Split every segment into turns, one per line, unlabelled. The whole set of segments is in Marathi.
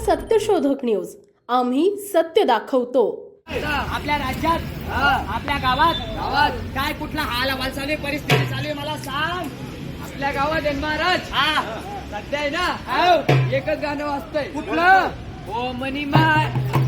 सत्यशोधक न्यूज. आम्ही सत्य दाखवतो.
आपल्या राज्यात आपल्या गावात काय कुठला हाल हवाल चालू आहे, परिस्थिती चालू आहे, मला सांग.
आपल्या गावात आहे महाराज. सध्या आहे ना एकच गाणं वाजतंय.
कुठलं?
ओ मनी माय.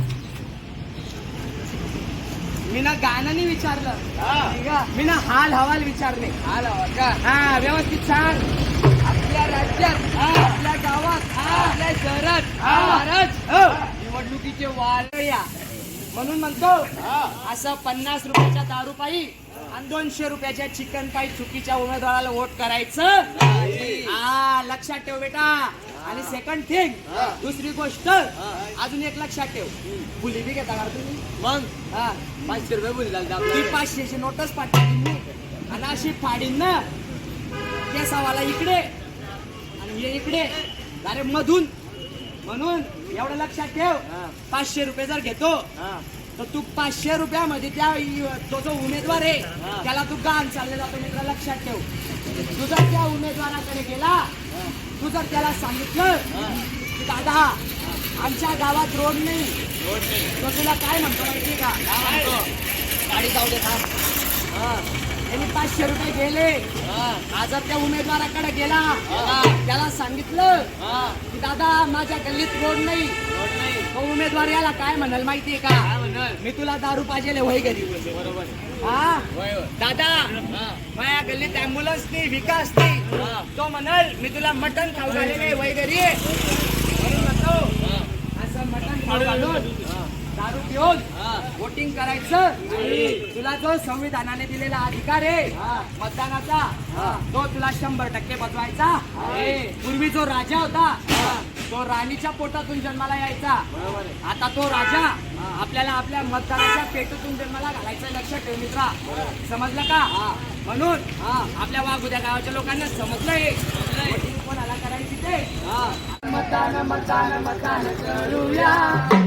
मी ना गाणं नाही विचारलं,
ठीक आहे?
मी ना हाल हवाल विचारले.
हाल हवा का?
हा, व्यवस्थित सांग.
आपल्या राज्यात आपल्या गावात आपल्या शहरात महाराज निवडणुकीचे वार
या म्हणून म्हणतो असं 50 रुपयाच्या दारू पायी आणि 200 रुपयाच्या चिकन पायी चुकीच्या उमेदवाराला वोट करायचं. हा, लक्षात ठेव बेटा. आणि सेकंड थिंग, दुसरी गोष्ट अजून एक लक्षात ठेव. बुली बी घेता का तुम्ही?
मग
हा,
500 रुपये बोली झाली
ती 500ची नोटच पाठवली मी आणि अशी फाडीन ना, केसावाला इकडे आणि हे इकडे, अरे मधून. म्हणून एवढं लक्षात ठेव, 500 रुपये जर घेतो तर तू 500 रुपयामध्ये त्या तो जो उमेदवार आहे त्याला तू गाण चालले जातो. मित्र लक्षात ठेव, तू जर त्या उमेदवाराकडे गेला, तू जर त्याला सांगितलं की दादा आमच्या गावात रोड नाही, तो तुला काय म्हणतो माहिती का? गाडी जाऊ दे थांब. त्यांनी 500 रुपये गेले. जर त्या उमेदवाराकडे गेला, त्याला सांगितलं की दादा माझ्या गल्लीत रोड नाही, तो उमेदवार याला काय म्हणाल माहितीये का? मी तुला दारू पाहिजे वय घरी.
बरोबर.
हा दादा, माझ्या गल्लीत अँब्युलन्स नाही, विकास नाही. तो म्हणाल मी तुला मटण खाऊ घालेले वय घरी. म्हणून म्हणतो असं मटण खाऊ घालून दारू पिऊन वोटिंग करायचं. तुला जो संविधानाने दिलेला अधिकार आहे मतदानाचा, तो तुला 100% बजवायचा. पूर्वी जो राजा होता तो राणीच्या पोटातून जन्माला यायचा. आता तो राजा आपल्याला आपल्या मतदानाच्या पेटूतून जन्माला घालायचं. लक्षात ठेव मित्रा, समजलं का? म्हणून आपल्या वाघुद्या गावाच्या लोकांना समजलंय वोटिंग कोणाला करायची ते. मतदान मतदान मतदान करूया.